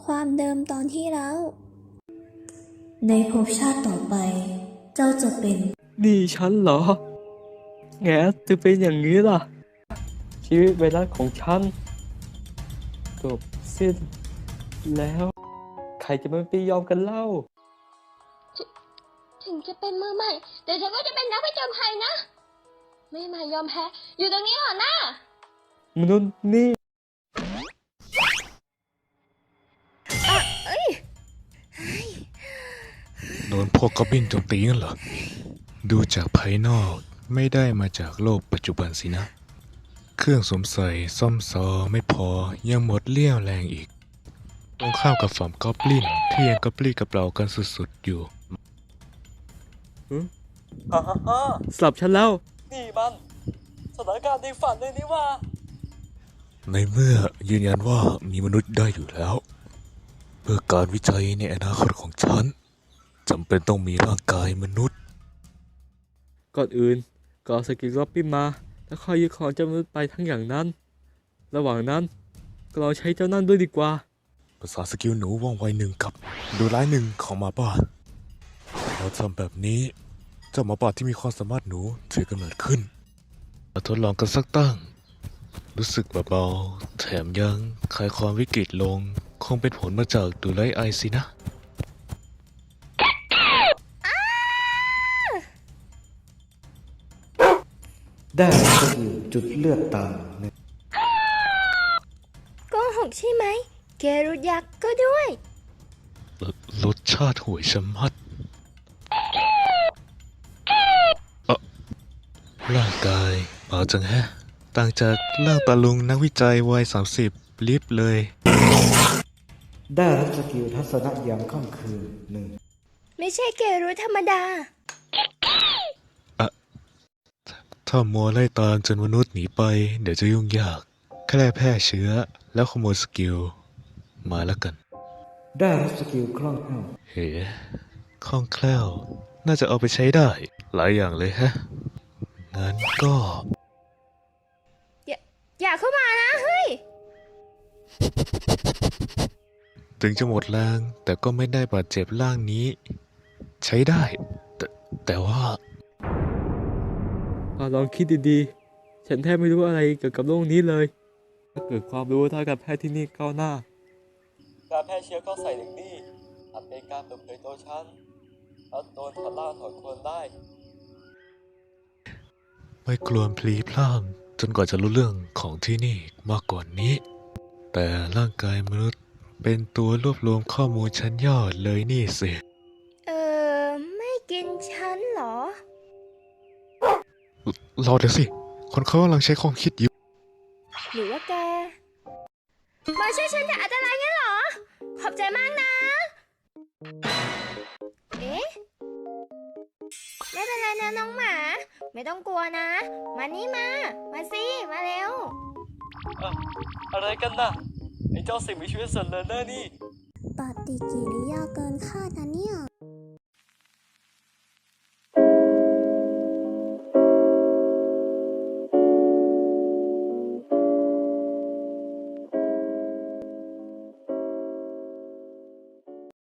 ความเดิมตอนที่แล้วในภพชาติต่อไป เจ้าจะเป็นนี่ฉันเหรอแงจะเป็นอย่างนี้ล่ะ ชีวิตไวรัสของฉันจบสิ้นแล้ว ใครจะไม่ไปยอมกันเล่าถึงจะเป็นมือใหม่ แต่ฉันก็จะเป็นนักผจญภัยนะ ไม่มายอมแพ้ อยู่ตรงนี้เหรอนะมนุษย์นี่โดนพวกกอบลินโจมตีงั้นเหรอ ดูจากภายนอกไม่ได้มาจากโลกปัจจุบันสินะ เครื่องสวมใส่ซ่อมซอไม่พอยังหมดเลี้ยวแรงอีก ตรงข้ามกับฝั่งกอบลินที่ยังกระปรี้กระเปร่ากันสุดๆอยู่สลับฉันแล้ว นี่มันสถานการณ์ในฝันเลยนี่ว่าในเมื่อยืนยันว่ามีมนุษย์ได้อยู่แล้ว เพื่อการวิจัยในอนาคตของฉันจำเป็นต้องมีร่างกายมนุษย์ก่อนอื่นก็เอาสกิลล็อบบี้มา แล้วค่อยยึดของเจ้ามนุษย์ไปทั้งอย่างนั้น ระหว่างนั้นก็ลองใช้เจ้านั่นด้วยดีกว่าภาษาสกิลหนูว่องไวหนึ่งกับดูร้ายหนึ่งของหมาป่าเราทำแบบนี้เจ้าหมาป่าที่มีความสามารถหนูถือกำเนิดขึ้นมาทดลองกันสักตั้ง รู้สึกเบาๆแถมยังคลายความวิกฤตลง คงเป็นผลมาจากดูไลไอสินะได้ก็คือจุดเลือดต่ำในโกหกใช่ไหม เกรุยักษ์ก็ด้วยรสชาติห่วยชะมัดร่างกายเบาจังแฮะ ต่างจากร่างตาลุงนักวิจัยวัย30ลิบเลยได้รับสกิลทัศนะยามค่ำคืนหนึ่งไม่ใช่เกรุธรรมดาถ้ามัวไล่ตามจนมนุษย์หนีไป เดี๋ยวจะยุ่งยาก แค่แพร่เชื้อแล้วขโมยสกิลมาแล้วกันได้รับสกิลคล่องแคล่วเฮ้คล่องแคล่ว น่าจะเอาไปใช้ได้ หลายอย่างเลยฮะ งั้นก็อย่าเข้ามานะ เฮ้ยถึงจะหมดแรง แต่ก็ไม่ได้บาดเจ็บร่างนี้ ใช้ได้ แต่ว่าลองคิดดีๆ ฉันแทบไม่รู้อะไรเกี่ยวกับโรคนี้เลย ถ้าเกิดความรู้ทางการแพทย์ที่นี่ก้าวหน้า การแพร่เชื้อก็ใส่ถึงนี่อาจเป็นการเปิดเผยตัวฉันแล้วโดนถอดล่าถอดควรได้ไม่กลัวพลีพล่ามจนกว่าจะรู้เรื่องของที่นี่มากกว่านี้ แต่ร่างกายมนุษย์เป็นตัวรวบรวมข้อมูลชั้นยอดเลยนี่สิไม่กินฉันเหรอรอเดี๋ยวสิ คนเขากำลังใช้ความคิดอยู่หรือว่าแก มาช่วยฉันจากอันตรายงั้นเหรอ ขอบใจมากนะ เอ๊ะ ไม่เป็นไรนะน้องหมา ไม่ต้องกลัวนะ มานี่มา มาสิ มาเร็วอะไรกันน่ะ ไอ้เจ้าสิ่งมีชีวิตส่วนเลอเนอร์นี่ปฏิกิริยาเกินคาดนะเนี่ย